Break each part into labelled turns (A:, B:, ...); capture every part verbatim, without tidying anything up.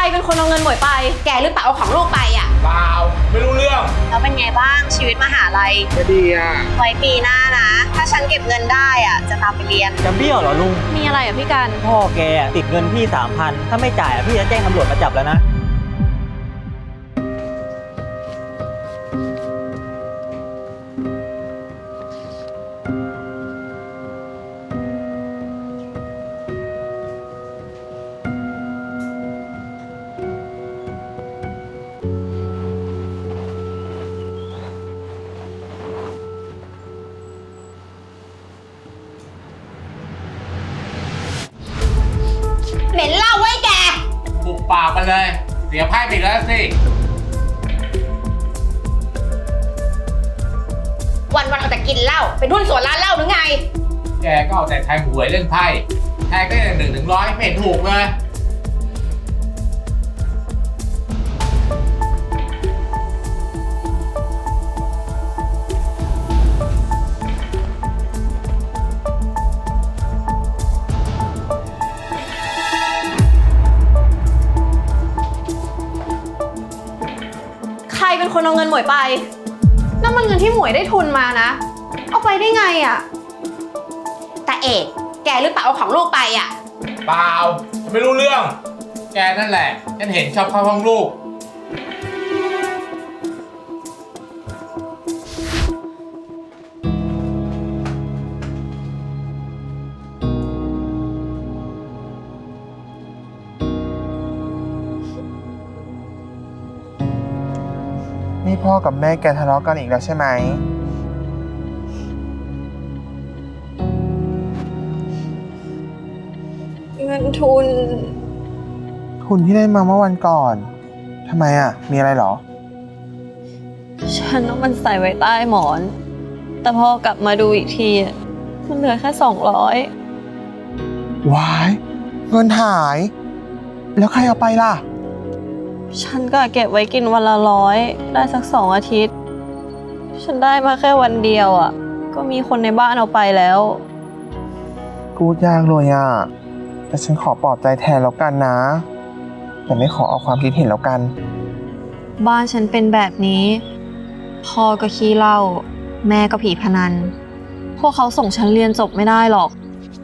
A: เป็นคนเอาเงินหมวยไปแกหรือเปล่าเอาของลูกไปอ่ะ
B: เปล่าไม่รู้เรื่อง
C: แล้วเป็นไงบ้างชีวิตมหาลัย
B: ก็ดีอ่ะ
C: ไว้ปีหน้านะถ้าฉันเก็บเงินได้อ่ะจะตามไปเรียน
D: จะเบี้ยวเหรอลุง
A: มีอะไรอ่ะพี่กัน
D: พ่อแกติดเงินพี่สามพันถ้าไม่จ่ายพี่จะแจ้งตำรวจมาจับแล้วนะ
C: เหม็นเหล้าไว้แก
B: ปุบปากกันเลยเสียไพ่ไปแล้วสิ
C: วันวันเอาแต่กินเหล้าเป็นหุ้นส่วนร้านเหล้าหรือไง
B: แกก็เอาแต่แทงหวยเล่นไพ่แทงได้อย่างหนึ่งถึงร้อยไม่เห็นถูกเลย
A: ใครเป็นคนเอาเงินหมวยไปนั่นมันเงินที่หมวยได้ทุนมานะเอาไปได้ไงอ่ะ
C: ตาเอกแกหรือเปล่าเอาของลูกไปอ่ะ
B: เปล่าไม่รู้เรื่องแกนั่นแหละฉันเห็นชอบเข้าห้องลูก
E: นี่พ่อกับแม่แกทะเลาะกันอีกแล้วใช่ไหม
A: เงินทุน
E: ทุนที่ได้มาเมื่อวันก่อนทำไมอ่ะมีอะไรเหรอ
A: ฉันเอามันใส่ไว้ใต้หมอนแต่พอกลับมาดูอีกทีมันเหลือแค่สองร้อยว
E: ายเงินหายแล้วใครเอาไปล่ะ
A: ฉันก็เก็บไว้กินวันละร้อยได้สักสองอาทิตย์ฉันได้มาแค่วันเดียวอ่ะก็มีคนในบ้านเอาไปแล้ว
E: พูดยากเลยอ่ะแต่ฉันขอปลอบใจแทนแล้วกันนะแต่ไม่ขอเอาความคิดเห็นแล้วกัน
A: บ้านฉันเป็นแบบนี้พ่อก็ขี้เหล้าแม่ก็ผีพนันพวกเขาส่งฉันเรียนจบไม่ได้หรอก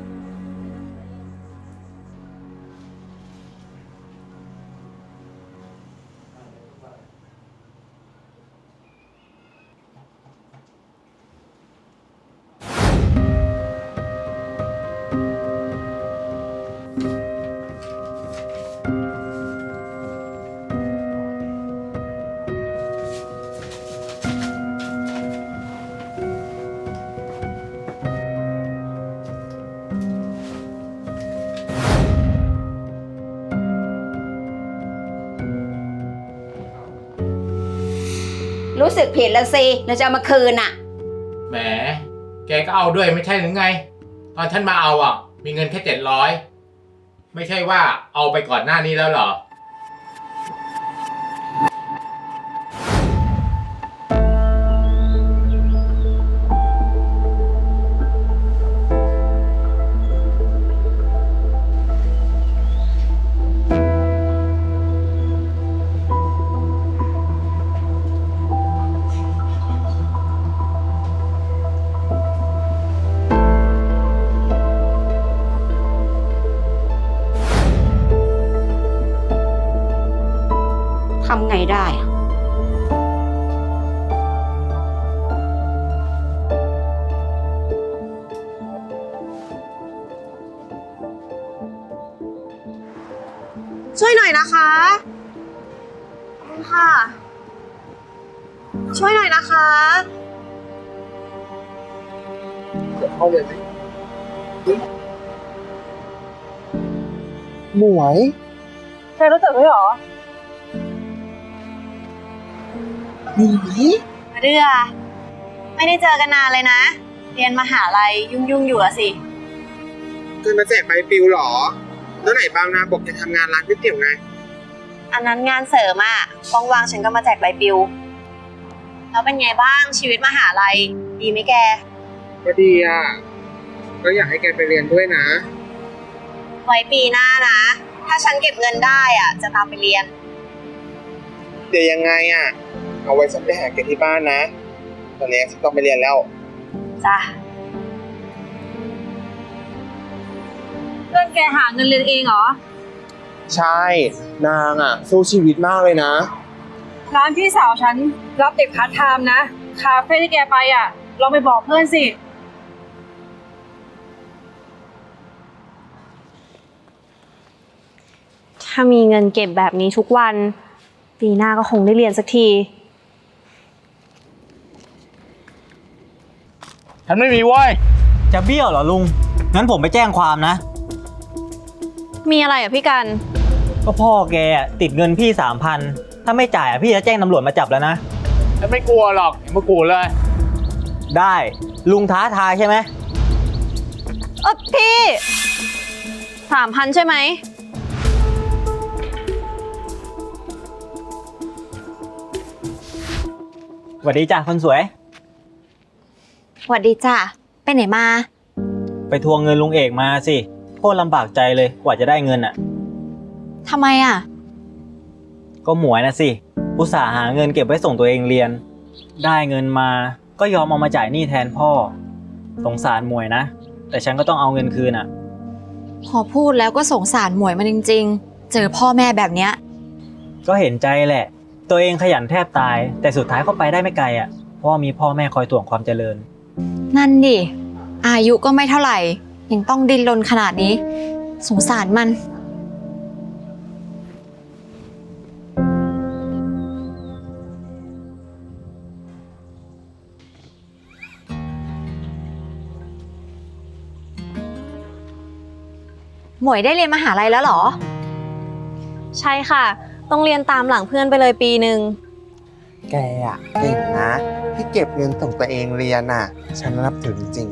C: รู้สึกผิดแล้วสิเราจะเอามาคืนอ่ะ
B: แหมแกก็เอาด้วยไม่ใช่หรือไงตอนฉันมาเอาอ่ะมีเงินแค่เจ็ดร้อยไม่ใช่ว่าเอาไปก่อนหน้านี้แล้วเหรอ
C: ทำไงได้
A: ช่วยหน่อยนะคะค่ะช่วยหน่อยนะคะ
E: เข้าเลยไหมหมวย
A: แกรู้จักด้วยเหรอ
E: หมวย
C: เรือไม่ได้เจอกันนานเลยนะเรียนมหาลัยยุ่งๆอยู่อะสิ
E: เคยมาแจกใบปลิวเหรอแล้วไหนบางนาบอกจะทำงานร้านก๋วยเตี๋ยวไง
C: อันนั้นงานเสริมอะว่างๆฉันก็มาแจกใบปลิวแล้วเป็นไงบ้างชีวิตมหาลัยดีไหมแก
E: ก็ดีอ่ะก็อยากให้แกไปเรียนด้วยนะ
C: ไว้ปีหน้านะถ้าฉันเก็บเงินได้อ่ะ จะตามไปเรียน
E: เดี๋ยวยังไงอ่ะ เอาไว้ฉันไปหาแกที่บ้านนะ ตอนนี้ฉันต้องไปเรียนแล้ว
C: จ้ะ
F: เพื่อนแกหาเงินเรียนเองเหรอ
E: ใช่ นางอ่ะ สู้ชีวิตมากเลยนะ
F: ร้านพี่สาวฉันรับเด็กพาร์ทไทม์นะ คาเฟ่ที่แกไปอ่ะ ลองไปบอกเพื่อนสิ
A: ถ้ามีเงินเก็บแบบนี้ทุกวัน ปีหน้าก็คงได้เรียนสักที
B: ฉันไม่มีเว้ย
D: จะเบี้ยวเหรอลุง งั้นผมไปแจ้งความนะ
A: มีอะไรอ่ะพี่กัน
D: ก็พ่อแกอะติดเงินพี่สามพันถ้าไม่จ่ายอะพี่จะแจ้งตำรวจมาจับแล้วนะ
B: ฉันไม่กลัวหรอกอย่ามากูเลย
D: ได้ลุงท้าทายใช่ไหม
A: เออพี่สามพันใช่ไหม
D: สวัสดีจ้ะคนสวย
C: สวัสดีจ้ะ ไปไหนมา
D: ไปทวงเงินลุงเอกมาสิโคตรลำบากใจเลยกว่าจะได้เงินอ่ะ
C: ทำไมอ่ะ
D: ก็หมวยนะสิอุตส่าห์หาเงินเก็บไว้ส่งตัวเองเรียน ได้เงินมาก็ยอมเอามาจ่ายหนี้แทนพ่อ สงสารหมวยนะ แต่ฉันก็ต้องเอาเงินคืนอ่ะ
G: พอพูดแล้วก็สงสารหมวยมันจริงๆ เจอพ่อแม่แบบเนี้ย
D: ก็เห็นใจแหละ ตัวเองขยันแทบตาย แต่สุดท้ายก็ไปได้ไม่ไกลอ่ะเพราะว่ามีพ่อแม่คอยถ่วงความเจริญ
G: นั่นดิ อายุก็ไม่เท่าไหร่ ยังต้องดิ้นรนขนาดนี้ สงสารมัน หมวยได้เรียนมหาลัยแล้วเหรอ
A: ใช่ค่ะ ต้องเรียนตามหลังเพื่อนไปเลยปีหนึ่ง
E: แกอ่ะเก่งนะ ที่เก็บเงินส่งตัวเองเรียนอ่ะ ฉันนับถือจริง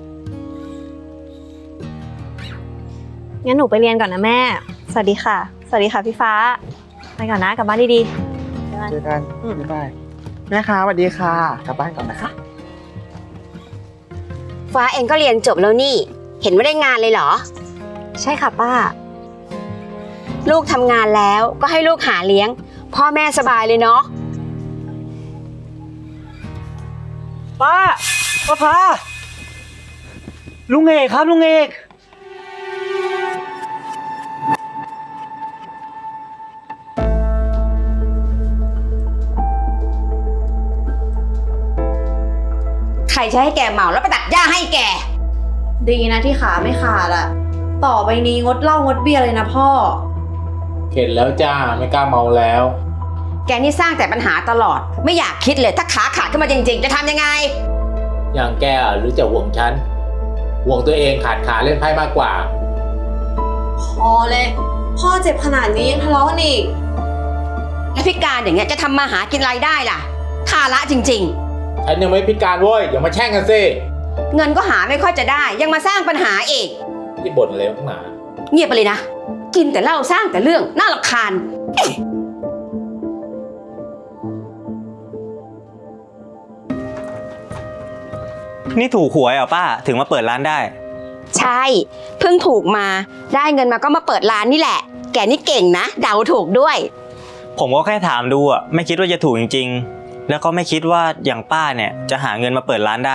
A: งั้นหนูไปเรียนก่อนนะแม่ สวัสดีค่ะ สวัสดีค่ะพี่ฟ้า ไปก่อนนะกลับบ้านดีๆบ๊ายบาย
E: เจอกัน
A: อืม
E: บ๊ายบายแม่ค้าสวัสดีค่ะ กลับบ้านก่อนนะคะ
C: ฟ้าเองก็เรียนจบแล้วนี่ เห็นว่าได้งานเลยเหรอ
A: ใช่ค่ะป้า
C: ลูกทำงานแล้วก็ให้ลูกหาเลี้ยง พ่อแม่สบายเลยเนาะ
D: ป้าป้าพาลุงเอกครับลุงเอก
C: ใครจะให้แกเหมาแล้วไปตัดหญ้าให้แก
A: ดีนะที่ขาไม่ขาดอะต่อไปนี้งดเหล้างดเบียร์เลยนะพ่อ
B: เข็ดแล้วจ้าไม่กล้าเมาแล้ว
C: แกนี่สร้างแต่ปัญหาตลอด ไม่อยากคิดเลยถ้าขาขาดขึ้นมาจริงๆ จะทำยังไง
B: อย่างแกอะหรือจะห่วงฉัน ห่วงตัวเองขาดขาเล่นไพ่มากกว่า
A: พอเลย พ่อเจ็บขนาดนี้ยังทะเลาะกันอีก
C: แล้วพิการอย่างเงี้ยจะทำมาหากินรายได้ล่ะภาระจริง
B: ฉันยังไม่พิการเว้ยอย่ามาแช่งกันสิ
C: ๆ เงินก็หาไม่ค่อยจะได้ ยังมาสร้างปัญหาอีก
B: ที่บ่นอะไรนักหนา
C: เงียบไปเลยนะ กินแต่เหล้าสร้างแต่เรื่องน่ารำคาญ
D: นี่ถูกหวยเหรอป้าถึงมาเปิดร้านได้
C: ใช่ เพิ่งถูกมา ได้เงินมาก็มาเปิดร้านนี่แหละ แกนี่เก่งนะ เดาถูกด้วย
D: ผมก็แค่ถามดูอ่ะไม่คิดว่าจะถูกจริงๆ แล้วก็ไม่คิดว่าอย่างป้าเนี่ยจะหาเงินมาเปิดร้านได้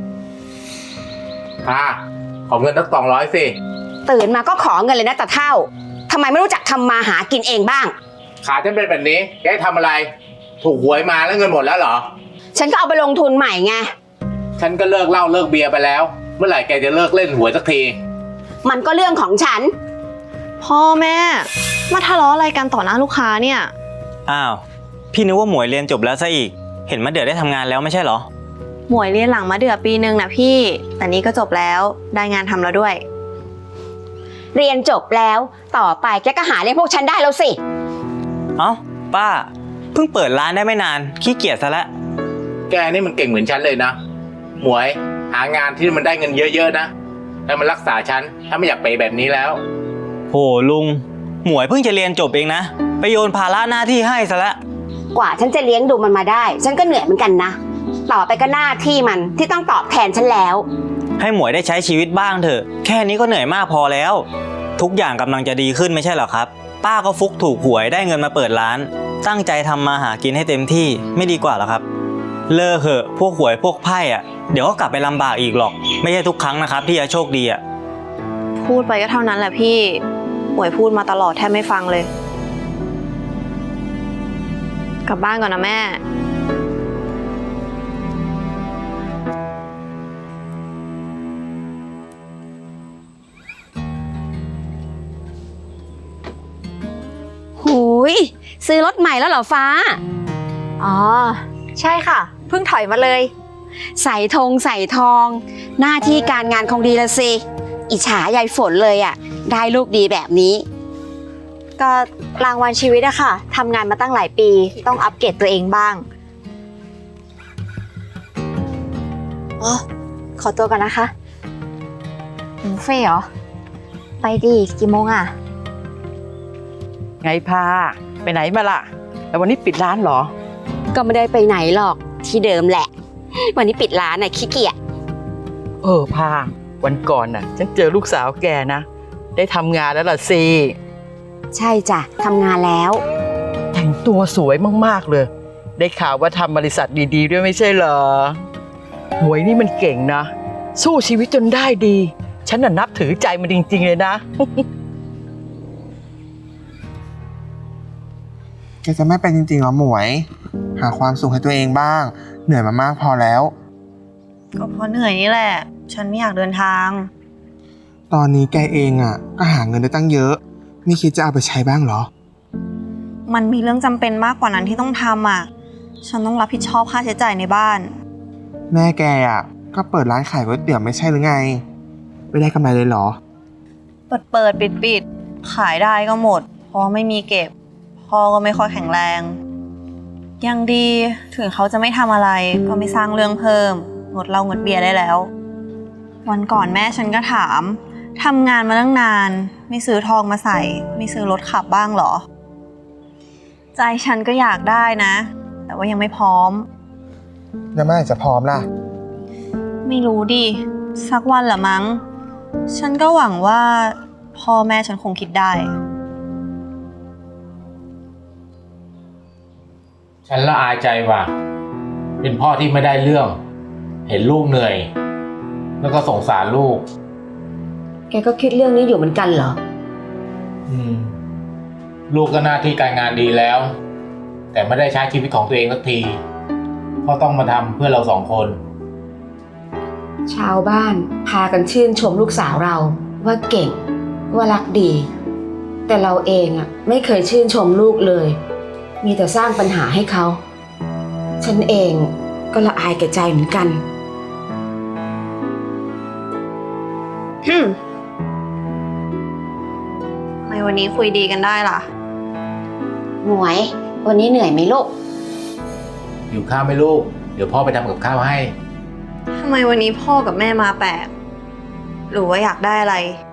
B: อ่าขอเงินตั้งสองร้อยสิ
C: ตื่นมาก็ขอเงินเลยนะตาเท่าทำไมไม่รู้จักทำมาหากินเองบ้าง
B: ขาฉันเป็นแบบนี้แกให้ทำอะไร ถูกหวยมาแล้วเงินหมดแล้วเหรอ
C: ฉันก็เอาไปลงทุนใหม่ไง
B: ฉันก็เลิกเหล้าเลิกเบียร์ไปแล้ว เมื่อไหร่แกจะเลิกเล่นหวยสักที
C: มันก็เรื่องของฉัน
A: พ่อแม่ มาทะเลาะอะไรกันต่อหน้าลูกค้าเนี่ย
D: อ้าวพี่นึกว่าหมวยเรียนจบแล้วซะอีก เห็นมะเดื่อได้ทำงานแล้วไม่ใช่เหรอ
A: หมวยเรียนหลังมาเดือปีหนึ่งนะพี่ แต่นี้ก็จบแล้ว ได้งานทำแล้วด้วย
C: เรียนจบแล้วต่อไปแกก็หาเลี้ยงพวกฉันได้แล้วสิ
D: เอ้าป้าเพิ่งเปิดร้านได้ไม่นานขี้เกียจซะแล้ว
B: แกนี่มันเก่งเหมือนฉันเลยนะ หมวยหางานที่มันได้เงินเยอะๆนะแล้วมันรักษาฉันถ้าไม่อยากไปแบบนี้แล้ว
D: โหลุงหมวยเพิ่งจะเรียนจบเองนะไปโยนภาระหน้าที่ให้ซะแล้ว
C: กว่าฉันจะเลี้ยงดูมันมาได้ ฉันก็เหนื่อยเหมือนกันนะ ต่อไปก็หน้าที่มันที่ต้องตอบแทนฉันแล้ว
D: ให้หมวยได้ใช้ชีวิตบ้างเถอะแค่นี้ก็เหนื่อยมากพอแล้วทุกอย่างกำลังจะดีขึ้นไม่ใช่เหรอครับ ป้าก็ฟุกถูกหวยได้เงินมาเปิดร้าน ตั้งใจทำมาหากินให้เต็มที่ไม่ดีกว่าเหรอครับ เลิกเหอะพวกหวยพวกไพ่อะเดี๋ยวก็กลับไปลำบากอีกหรอก ไม่ใช่ทุกครั้งนะครับที่จะโชคดีอะ
C: พูดไปก็เท่านั้นแหละพี่ หมวยพูดมาตลอดแทบไม่ฟังเลย กลับบ้านก่อนนะแม่
H: หูยซื้อรถใหม่แล้วเหรอฟ้า
G: อ๋อ ใช่ค่ะ เพิ่งถอยมาเลย
H: ใส่ธงใส่ทอง หน้าที่การงานคงดีละสิ อิจฉายายฝนเลยอะได้ลูกดีแบบนี้
G: ก็รางวัลชีวิตอะค่ะทำงานมาตั้งหลายปี ต้องอัปเกรดตัวเองบ้าง อ๋อ ขอตัวก่อนนะคะบุฟเฟ่ต์เหรอ ไปดิกี่โมงอะ
I: ไงพาไปไหนมาล่ะ แล้ววันนี้ปิดร้านเหรอ
H: ก็ไม่ได้ไปไหนหรอกที่เดิมแหละ วันนี้ปิดร้านน่ะขี้เกียจ
I: เออพาวันก่อนน่ะ ฉันเจอลูกสาวแกนะ ได้ทำงานแล้วล่ะสิ
H: ใช่จ้ะทำงานแล้ว
I: แต่งตัวสวยมากๆเลย ได้ข่าวว่าทำบริษัทดีๆด้วยไม่ใช่เหรอหวยนี่มันเก่งนะ สู้ชีวิตจนได้ดี ฉันน่ะนับถือใจมันจริงๆเลยนะ
E: แกจะไม่เป็นจริงๆเหรอหมวย หาความสุขให้ตัวเองบ้าง เหนื่อยมามากพอแล้ว
A: ก็เพราะเหนื่อยนี่แหละ ฉันไม่อยากเดินทาง
E: ตอนนี้แกเองอ่ะก็หาเงินได้ตั้งเยอะไม่คิดจะเอาไปใช้บ้างเหรอ
A: มันมีเรื่องจำเป็นมากกว่านั้นที่ต้องทำอ่ะ ฉันต้องรับผิดชอบค่าใช้จ่ายในบ้าน
E: แม่แกอ่ะก็เปิดร้านขายก๋วยเตี๋ยวไม่ใช่หรือไง ไม่ได้กำไรเลยเหรอ
A: เปิดเปิดปิดปิดขายได้ก็หมด เพราะไม่มีเก็บ พ่อก็ไม่ค่อยแข็งแรง ยังดีถึงเขาจะไม่ทำอะไรก็ไม่สร้างเรื่องเพิ่มงดเหล้างดเบียร์ได้แล้ว วันก่อนแม่ฉันก็ถามทำงานมาตั้งนานไม่ซื้อทองมาใส่ ไม่ซื้อรถขับบ้างเหรอ ใจฉันก็อยากได้นะ แต่ว่ายังไม่พร้อม
E: แล้วเมื่อไหร่จะพร้อมล่ะ
A: ไม่รู้ดิสักวันละมั้ง ฉันก็หวังว่าพ่อแม่ฉันคงคิดได้
B: ฉันละอายใจว่ะ เป็นพ่อที่ไม่ได้เรื่อง เห็นลูกเหนื่อย แล้วก็สงสารลูก
H: แกก็คิดเรื่องนี้อยู่เหมือนกันเหรอ
B: อืม ลูกก็หน้าที่การงานดีแล้ว แต่ไม่ได้ใช้ชีวิตของตัวเองสักทีก็ต้องมาทำเพื่อเราสองคน
H: ชาวบ้านพากันชื่นชมลูกสาวเราว่าเก่งว่ารักดี แต่เราเองอ่ะไม่เคยชื่นชมลูกเลย มีแต่สร้างปัญหาให้เขา ฉันเองก็ละอายแก่ใจเหมือนกัน
A: ทำไมวันนี้คุยดีกันได้ล่ะ
H: หมวย วันนี้เหนื่อยไหมลูก
B: อยู่ข้าวไหม่ลูก เดี๋ยวพ่อไปทำกับข้าวให้
A: ทำไมวันนี้พ่อกับแม่มาแปลก หรือว่าอยากได้อะไร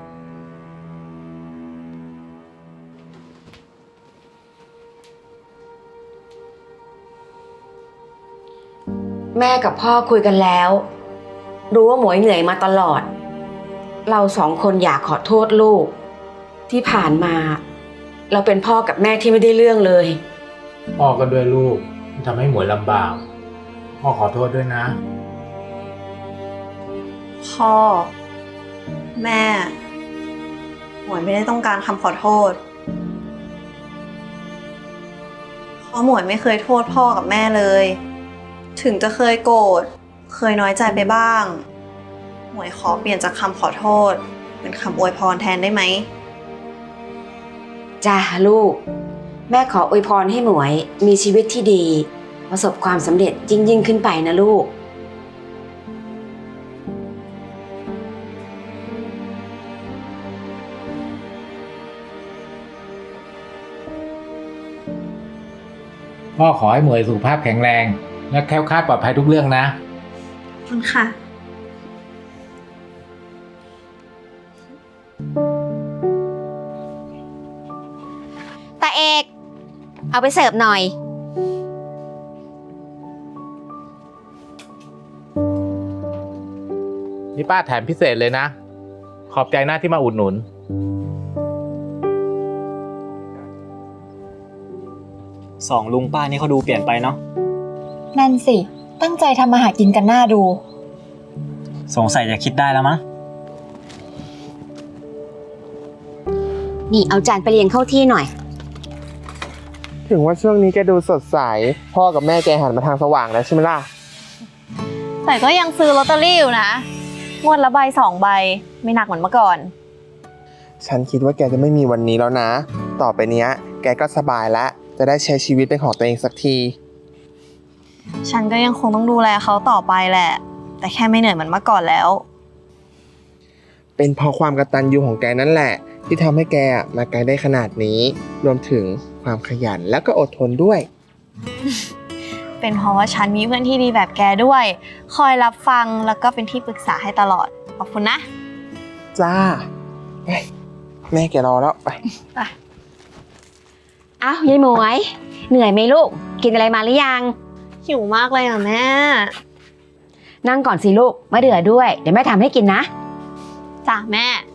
H: แม่กับพ่อคุยกันแล้ว รู้ว่าหมวยเหนื่อยมาตลอด เราสองคนอยากขอโทษลูก ที่ผ่านมา เราเป็นพ่อกับแม่ที่ไม่ได้เรื่องเลย
B: พ่อก็ด้วยลูกที่ทำให้หมวยลำบาก พ่อขอโทษด้วยนะ
A: พ่อ แม่ หมวยไม่ได้ต้องการคำขอโทษ เพราะหมวยไม่เคยโทษพ่อกับแม่เลย ถึงจะเคยโกรธ เคยน้อยใจไปบ้าง หมวยขอเปลี่ยนจากคำขอโทษ เป็นคำอวยพรแทนได้ไหม
H: จ้าลูก แม่ขออวยพรให้หมวยมีชีวิตที่ดี ประสบความสำเร็จยิ่งยิ่งขึ้นไปนะลูก
B: พ่อขอให้หมวยสุขภาพแข็งแรง และแคล้วคลาดปลอดภัยทุกเรื่องนะ
A: ขอบคุณค่ะ
H: ตาเอก เอาไปเสิร์ฟหน่อย
B: นี่ป้าแถมพิเศษเลยนะ ขอบใจนะที่มาอุดหนุน
D: สองลุงป้านี่เขาดูเปลี่ยนไปเนาะ
G: นั่นสิ ตั้งใจทำมาหากินกันหน้าดู
D: สงสัยจะคิดได้แล้วมั้ง
H: นี่เอาจานไปเรียงเข้าที่หน่อย
E: ถึงว่าช่วงนี้แกดูสดใส พ่อกับแม่แกหันมาทางสว่างแล้วใช่ไหมล่ะ
A: แต่ก็ยังซื้อลอตเตอรี่อยู่นะ งวดละใบสองใบ ไม่หนักเหมือนเมื่อก่อน
E: ฉันคิดว่าแกจะไม่มีวันนี้แล้วนะ ต่อไปเนี้ย แกก็สบายแล้ว จะได้ใช้ชีวิตเป็นของตัวเองสักที
A: ฉันก็ยังคงต้องดูแลเขาต่อไปแหละ แต่แค่ไม่เหนื่อยเหมือนเมื่อก่อนแล้ว
E: เป็นเพราะความกตัญญูของแกนั่นแหละ ที่ทำให้แกมาไกลได้ขนาดนี้ รวมถึงความขยันแล้วก็อดทนด้วย
A: เป็นเพราะว่าฉันมีเพื่อนที่ดีแบบแกด้วย คอยรับฟังแล้วก็เป็นที่ปรึกษาให้ตลอด ขอบคุณนะ
E: จ้าไปแม่แกรอแล้วไป
H: อ้าวยายหมวย เหนื่อยไหมลูก กินอะไรมาหรือยัง
A: หิวมากเลยอ่ะแม่
H: นั่งก่อนสิลูกมาเดือด้วย เดี๋ยวแม่ทำให้กินนะ
A: จ้ะแม่